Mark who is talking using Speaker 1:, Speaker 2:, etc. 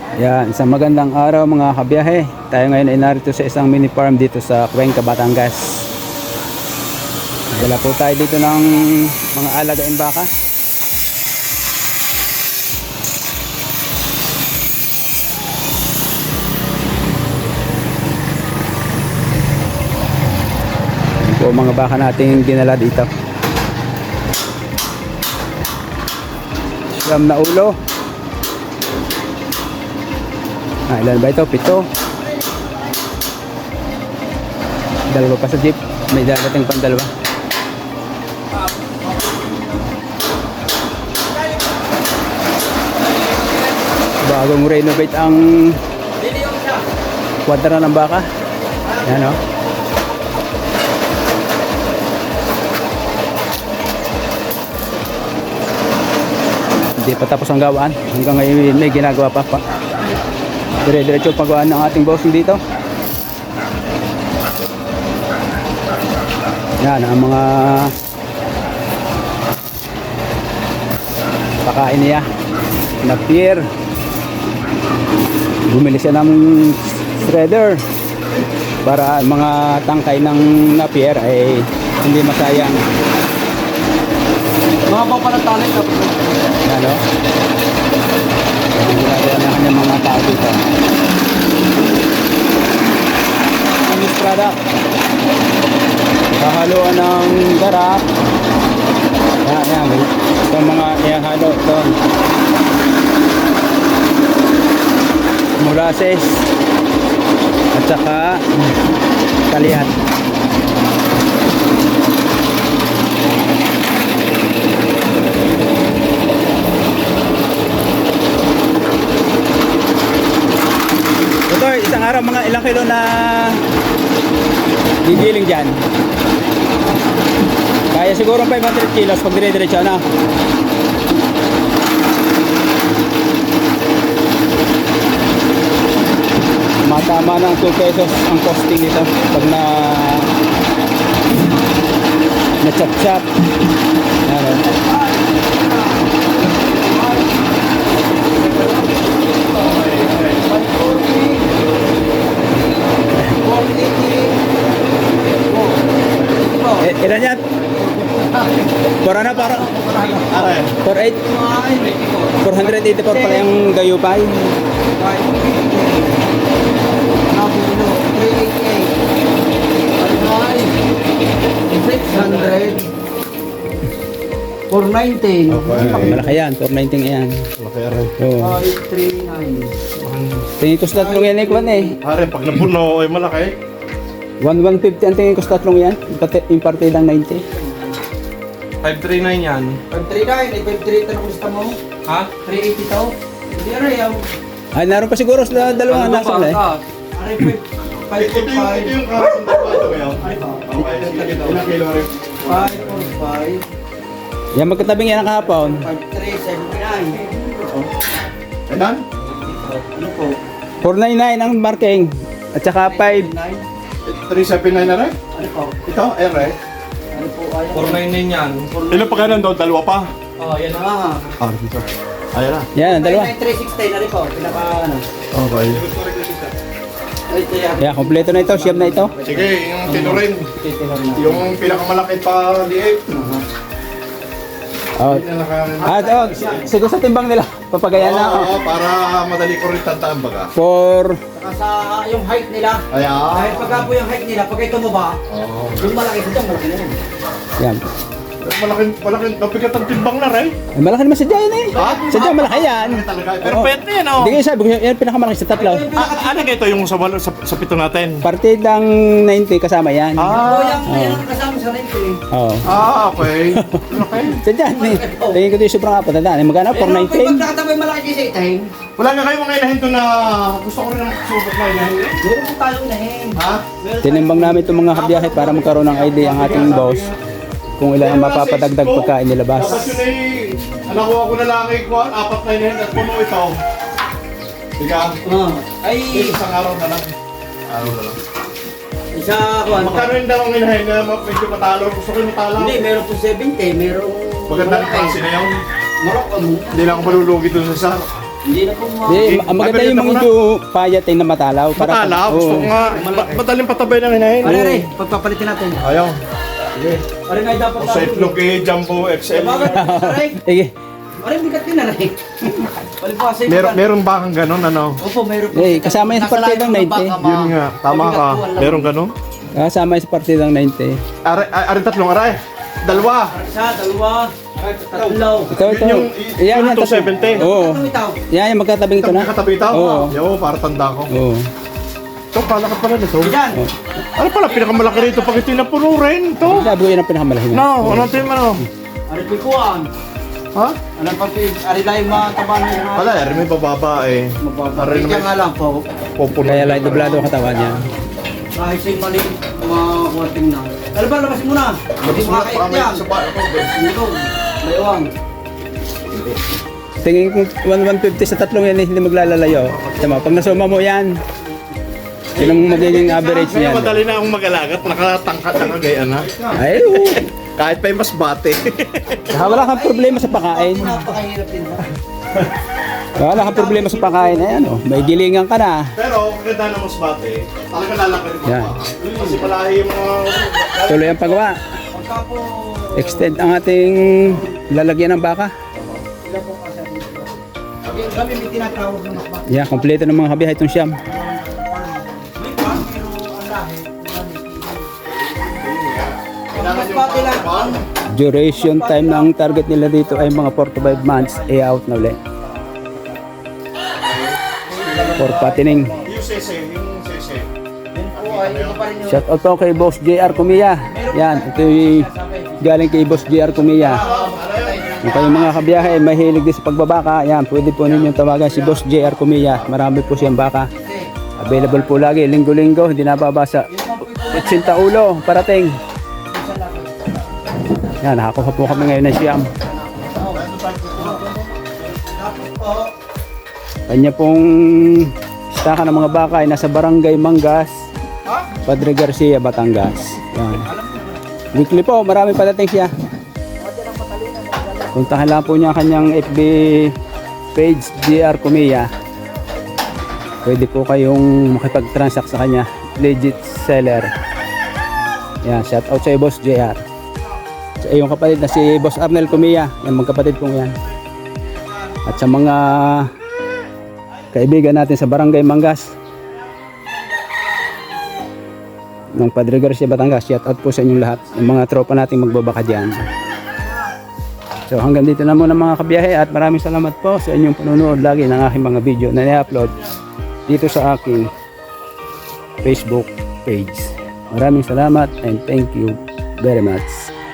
Speaker 1: Yan, isang magandang araw mga kabiyahe. Tayo ngayon ay narito sa isang mini farm dito sa Cuenca, Batangas. Dala po tayo dito ng mga alagain baka. Yan po mga baka nating dinala dito. Siyam na ulo. Ilan ba ito? 7. Dalawa pa sa jeep. May darating pang dalawa. Bagong renovate ang kwadra ng baka. Yan o. Hindi pa tapos ang gawaan. Hanggang ngayon may ginagawa pa. Dire-diretso pagawaan ng ating bossing dito. Yan ang mga pakain niya na pier. Bumili siya ng shredder para mga tangkay ng napier ay hindi masayang.
Speaker 2: Mga pa pala talent.
Speaker 1: Yan o. Ang ginagawa na kanyang mga tao dito. Ang Estrada. Kahaluan ng dara. Yan. Ito mga ihahalo doon. Molasses. At saka kalihat. Ito, isang araw mga ilang kilo na gigiling dyan. Kaya siguro 500 kilos pag dire-diretso na. Matama ng 2 pesos ang costing nito pag na chop-chop. Ilan yan? Para na para? 48? 484 pala yung gayupay.
Speaker 2: 490.
Speaker 1: Malaki yan, 419 yan.
Speaker 3: Malaki rin.
Speaker 1: Oh.
Speaker 2: 539.
Speaker 1: Tingin ko sa tatlong yan eh, kwan eh.
Speaker 3: Pare, pag napuno ay malaki.
Speaker 1: 150 ang tingin ko sa tatlong yan. Yung partidang 90.
Speaker 3: 539 yan.
Speaker 2: 539. 538 na gusto mo?
Speaker 3: Ha?
Speaker 2: 380 to? Hindi rin yung...
Speaker 1: Ay, naroon pa siguro sa dalawang nasa eh.
Speaker 2: Ari,
Speaker 3: Ito
Speaker 2: 545.
Speaker 3: yung karang ito ngayon. Okay, ilang kilo rin?
Speaker 2: 545.
Speaker 1: Yan magkatabing yan ang kahapon.
Speaker 2: 5379.
Speaker 3: Ilan?
Speaker 2: Ano po?
Speaker 1: 499 ang marking. At saka 5.
Speaker 3: 379 na rin?
Speaker 2: Ano po?
Speaker 3: Ito, ere.
Speaker 2: Ano po? Ayan.
Speaker 4: 499 yan.
Speaker 3: Ilan pa ganun doon? Dalawa pa?
Speaker 2: Oh, yan na.
Speaker 3: Ah, dito. Ayan na.
Speaker 1: Yan, ang dalawa.
Speaker 2: 360 na rin po. Pinaka ano.
Speaker 3: Okay.
Speaker 2: Ay, ito yan.
Speaker 1: Yan, kompleto na ito. Siyam na ito.
Speaker 3: Sige, yung tinurin.
Speaker 2: Titinan na.
Speaker 3: Yung pinakamalaki pa liit.
Speaker 1: Oh.
Speaker 3: Hindi na naka-
Speaker 1: Siguro sa timbang nila. Papagayan na.
Speaker 3: Oo, para madali ko rin tandaan baga.
Speaker 1: For
Speaker 2: Saka sa yung height nila.
Speaker 3: Ayan.
Speaker 2: Dahil pagka po yung height nila, pag ito baba,
Speaker 3: Oo.
Speaker 2: yung malaki sa dyan, malaki na yun.
Speaker 1: yan.
Speaker 3: Malaking, nabigat ang timbang na rin.
Speaker 1: Ay, malaki naman sa dyan eh.
Speaker 3: Ha?
Speaker 1: Sa dyan malaki yan.
Speaker 3: Malaki talaga. Pero
Speaker 1: Oo.
Speaker 3: pwede na yan, oh.
Speaker 1: Hindi kayo sabi ko, yan pinakamalaki sa tatlo.
Speaker 3: Ano ito yung sa pito natin?
Speaker 1: Partidang 90 kasama yan.
Speaker 2: Oh, yan ang kasama sa rent eh.
Speaker 1: Oo.
Speaker 3: Ah, okay. Okay.
Speaker 1: Sa dyan eh. Tingin ko ito yung sobrang apat na daan. Magkano?
Speaker 2: Pero pag
Speaker 1: 419?
Speaker 2: nakatabay malaki kayo sa itahin,
Speaker 3: Wala nga kayo mga inahin to na gusto ko rin ang subok na inahin.
Speaker 2: meron po tayong nahin.
Speaker 3: Ha?
Speaker 1: Tinimbang namin itong mga kabiyahe para magkaroon ng idea ang ating boss kung ilan ang mapapadagdag pagkain nilabas.
Speaker 3: Dapat yun ay, nakuha ko na lang kay Kwan, 4 na inahin at puno ito. Diga,
Speaker 2: Ay,
Speaker 3: isang araw na lang. Araw na lang.
Speaker 2: isa kuhan pa.
Speaker 3: Magkano yung dalawang inahin na medyo matalo? Gusto ko yung matalo.
Speaker 2: Hindi, meron po 70, meron...
Speaker 3: Maganda ng klase na yun.
Speaker 2: Morocco mo.
Speaker 3: Hindi lang ako malulugi doon sa isa.
Speaker 2: Hindi na po mga...
Speaker 1: Di, ang maganda yung mga ito payatin na matalaw.
Speaker 3: Matalaw,
Speaker 1: Oo.
Speaker 3: gusto ko nga. Madaling patabay ng hinahin.
Speaker 2: Pare, Ray, pagpapalitin natin.
Speaker 3: Ayaw. Sige.
Speaker 2: Pare, nga dapat
Speaker 3: O sa itlog eh, Jumbo XL.
Speaker 2: Bakit? Ray,
Speaker 1: Sige.
Speaker 2: pare, bigat din na, Ray. Palipasin.
Speaker 3: Meron ba kang ganon, ano?
Speaker 2: Opo, meron po.
Speaker 1: Eh, kasama yan sa
Speaker 2: Nasa
Speaker 1: partidang
Speaker 2: layo ng
Speaker 1: 90.
Speaker 2: baka,
Speaker 3: Yun nga, tama ka. Meron ganon?
Speaker 1: Kasama sa partidang 90.
Speaker 3: Ari tatlong aray. Dalawa.
Speaker 2: Isa, dalawa, tatlo.
Speaker 1: Ito, ito.
Speaker 3: Yung
Speaker 1: Yan, yan.
Speaker 3: 270.
Speaker 1: Oo.
Speaker 2: Tatlong itaw.
Speaker 1: Yan, yung magkatabing ito na.
Speaker 3: Katabi itaw?
Speaker 1: Oo.
Speaker 3: Yo, para tanda ko.
Speaker 1: Oo.
Speaker 3: Ito, palakad pala nito.
Speaker 2: Diyan.
Speaker 3: Ano pala, pinakamalaki rito pag ito napuno rin. Ito.
Speaker 1: Sabi ko yun ang pinakamalaki na.
Speaker 3: No, ano ito yung ano?
Speaker 2: Ari pikuan.
Speaker 3: Ha?
Speaker 2: Anong pag ari lang yung mga taba na yun.
Speaker 3: Wala, may bababa eh.
Speaker 2: Mababa.
Speaker 3: Ari
Speaker 2: Kaya
Speaker 3: naman.
Speaker 2: nga lang po.
Speaker 3: Pupuno.
Speaker 1: Kaya lang, doblado ang katawan niya.
Speaker 2: Kahit sa'yo mali, mga kuwating na. Ano ba, labas muna. Hindi
Speaker 3: Labas mo na,
Speaker 2: makakait
Speaker 3: baka may
Speaker 2: yan.
Speaker 3: sa pa.
Speaker 2: Hindi ko. Mayawang.
Speaker 1: Tingin ko 150 sa tatlong yan hindi maglalalayo. Tama, pag nasuma mo yan, yun ang magiging average
Speaker 3: Kaya
Speaker 1: niyan.
Speaker 3: madali na akong mag-alagat, nakatangkat na kagayan ha.
Speaker 1: Ay, oo.
Speaker 3: Kahit pa yung mas bate.
Speaker 1: Wala kang problema sa pagkain.
Speaker 2: Napakahirap din.
Speaker 1: Wala kang problema sa pagkain. Ay, ano, may gilingan ka na.
Speaker 3: Pero, ganda na mas bate, talaga lalaki rin
Speaker 1: Yan.
Speaker 3: pa. Kasi palahi yung mga...
Speaker 1: Tuloy ang paggawa.
Speaker 2: Pagka po,
Speaker 1: Extend ang ating lalagyan ng baka.
Speaker 2: sila po kasi dito. Kami may tinatawag ng makbak.
Speaker 1: Yan, kompleto ng mga kabihay itong siyam.
Speaker 2: May pan, pero ang lahi. Mas pati lang.
Speaker 1: Duration time ng target nila dito ay mga 4 to 5 months. Out na ulit. For patining.
Speaker 3: Yung sese, yung sese.
Speaker 2: Yun po ay iba pa rin yung...
Speaker 1: Shout out to kay Boss JR Kumiya. Yan, ito yung galing kay Boss JR Kumiya. Kung kayong mga kabiyahe mahilig din sa pagbabaka, yan, pwede po ninyong tawagan si Boss JR Kumiya. Marami po siyang baka. Available po lagi, linggo-linggo, hindi nababasa. 80 ulo, parating. Yan, nakakuha po kami ngayon ng siyam. Kanya pong staka ng mga baka ay nasa Barangay Mangas, Padre Garcia, Batangas. Yan. Weekly po, marami padating siya. Puntahan lang po niya ang kanyang FB page, JR Kumiya. Pwede po kayong makipag-transact sa kanya. Legit seller. Yan, shout out sa iyo, Boss JR. Sa iyong kapatid na si Boss Arnel Kumiya. Yan, magkapatid pong yan. At sa mga kaibigan natin sa Barangay Mangas ng Padre Garcia, Batangas, shout out po sa inyong lahat, yung mga tropa nating magbabaka dyan. So hanggang dito na muna mga kabiyahe at maraming salamat po sa inyong panunood lagi ng aking mga video na i-upload dito sa aking Facebook page. Maraming salamat and thank you very much.